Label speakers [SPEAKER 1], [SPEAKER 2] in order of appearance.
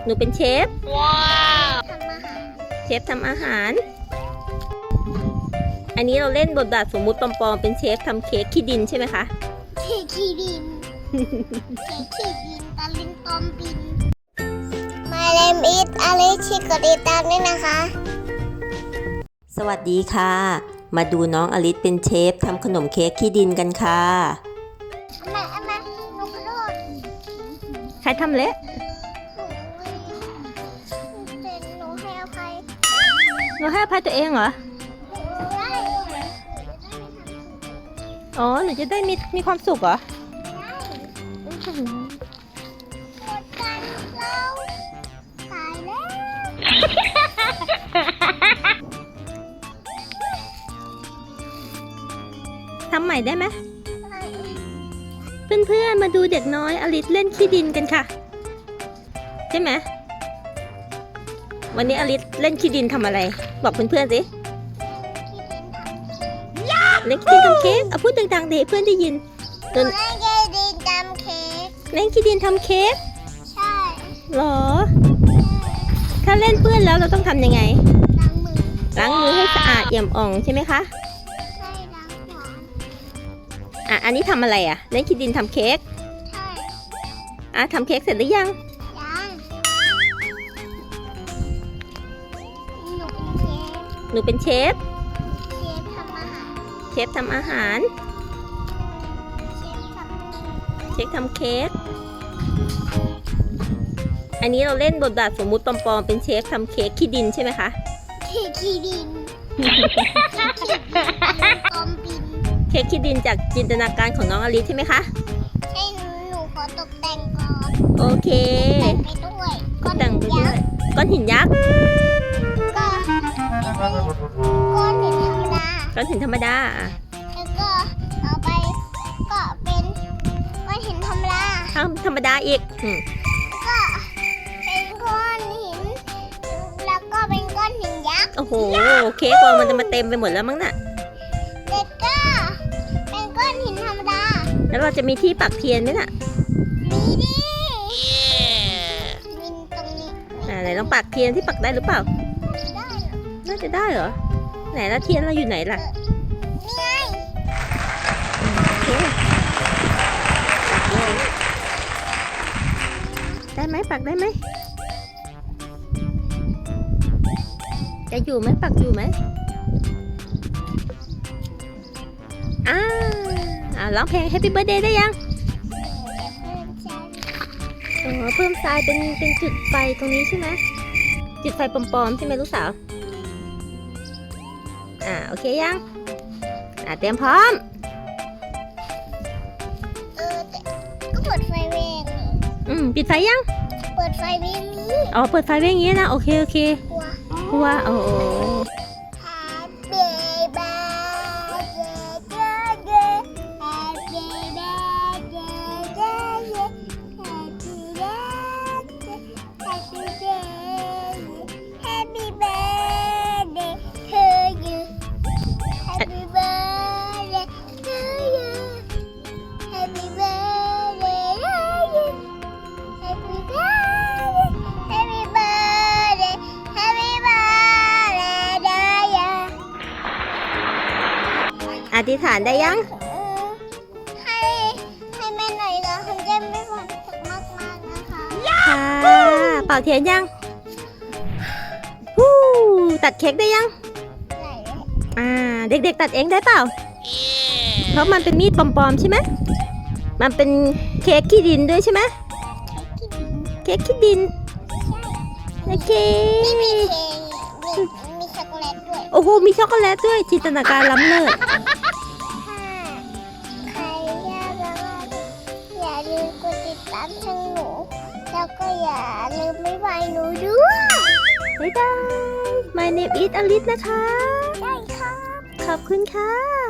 [SPEAKER 1] หนูเป็นเชฟ
[SPEAKER 2] ว้าว
[SPEAKER 1] เชฟทำอาหาร อันนี้เราเล่นบทบาทสมมุติปลอมๆเป็นเชฟทำเค้กขี้ดินใช่ไหมคะ
[SPEAKER 2] เค้กขี้ดินเค้กขี้ดินตะลิงตอมบิน My name is Alice กดติดตามด้วยนะคะ
[SPEAKER 1] สวัสดีค่ะ มาดูน้องอลิซเป็นเชฟทำขนมเค้กขี้ดินกันค่ะ
[SPEAKER 2] มาหนูขอโทษ
[SPEAKER 1] ใครทำเละ
[SPEAKER 2] หนูให้อภัย
[SPEAKER 1] ตัวเองเหรอ
[SPEAKER 2] ได้
[SPEAKER 1] อ๋อหนูจะได้มีความสุขเหรอ
[SPEAKER 2] หมดกันเราตายแล้ว
[SPEAKER 1] ทำใหม่ได้ไหมเพื่อนๆมาดูเด็กน้อยอลิซเล่นขี้ดินกันค่ะใช่ไหมวันนี้อลิซเล่นขี้ดินทำอะไรบอกเพื่อนๆสิเล่นขี้ดินทำเค้กเอาพูดดังๆเดี๋ยวเพื่อนได้ยิน
[SPEAKER 2] เล่นขี้ดินทำเค้ก
[SPEAKER 1] เล่นขี้ดินทำเค้ก
[SPEAKER 2] ใช่
[SPEAKER 1] หรอถ้าเล่นเปื้อนแล้วเราต้องทำยังไงล้างมือให้สะอาดเอี่ยมอ่องใช่ไหมคะ
[SPEAKER 2] ใช่ล้างหัว
[SPEAKER 1] อันนี้ทำอะไรเล่นขี้ดินทำเค้ก
[SPEAKER 2] ใช่
[SPEAKER 1] ทำเค้กเสร็จหรือยังหนูเป็นเชฟเชฟทำอาหารเชฟทำเค้กอันนี้เราเล่นบทบาทสมมุติปลอมๆเป็นเชฟทำเค้กขี้ดินใช่ไหมคะ
[SPEAKER 2] เค้กขี้ดิน
[SPEAKER 1] เค้กขี้ดินจากจินตนาการของน้องอลิซใช่ไหมคะ
[SPEAKER 2] ใช่หนูขอตกแต่งก่อน
[SPEAKER 1] โอเค
[SPEAKER 2] แต่งไปด้วย
[SPEAKER 1] แต่งไปด้วยก้อนหินยักษ์
[SPEAKER 2] ก้อนหินธรรมดาแล้วก็เอาไปก็เป็นก้อนหินธรรมดา
[SPEAKER 1] ธรรมดาอีก
[SPEAKER 2] ก็เป็นก้อนหินแล้วก็เป็นก้อนหินยักษ์
[SPEAKER 1] โอ้โหเค้กเรามันจะมาเต็มไปหมดแล้วมั้งน่ะ
[SPEAKER 2] เด็กก็เป็นก้อนหินธรรมดา
[SPEAKER 1] แล้วเราจะมีที่ปักเทียนไหมน่ะ
[SPEAKER 2] มีดิมีตรงนี้
[SPEAKER 1] ไหนลองปักเทียนที่ปักได้หรือเปล่า
[SPEAKER 2] ได้
[SPEAKER 1] น่าจะได้เหรอไหนแล้วเทียนเราอยู่ไหนล่ะ
[SPEAKER 2] นี่ไง
[SPEAKER 1] ได้ไหมปักได้ไหมจะอยู่ไหมปักอยู่ไหมร้องเพลง Happy Birthday ได้ยังเพิ่มทรายเป็นจุดไฟตรงนี้ใช่ไหมจุดไฟปลอมๆใช่ไหมลูกสาวโอเคยังเตรียมพร้อม
[SPEAKER 2] ก็เปิดไฟเวง
[SPEAKER 1] ปิดไฟยัง
[SPEAKER 2] เปิดไฟเวงนี้
[SPEAKER 1] เปิดไฟเวงอย่างนี้นะโอเคกลัวโอ้อธิษฐานได้ยัง
[SPEAKER 2] ให้แม่หน่อยนะคุณเจมไม่ความสุขมากๆนะคะ
[SPEAKER 1] ค่ะเป่าเทียนยังตัดเค้กได้ยังเด็กๆตัดเองได้เปล่าเพราะมันเป็นมีดปลอมๆใช่ไหมมันเป็นเค้กขี้ดินด้วยใช่ไหมเค้กขี้ดินโอเค
[SPEAKER 2] มีช็อกโกแลตด้วย
[SPEAKER 1] โอ้โหมีช็อกโกแลตด้วยจินตนาการล้ำเลิศ
[SPEAKER 2] ใครอย่าลืมกดติดตามช่องหนูแล้วก็อย่าลืมบ๊ายบายหนูด้วย
[SPEAKER 1] บ๊ายบาย My name is Alice นะคะ
[SPEAKER 2] ได้ครับ
[SPEAKER 1] ขอบคุณค่ะ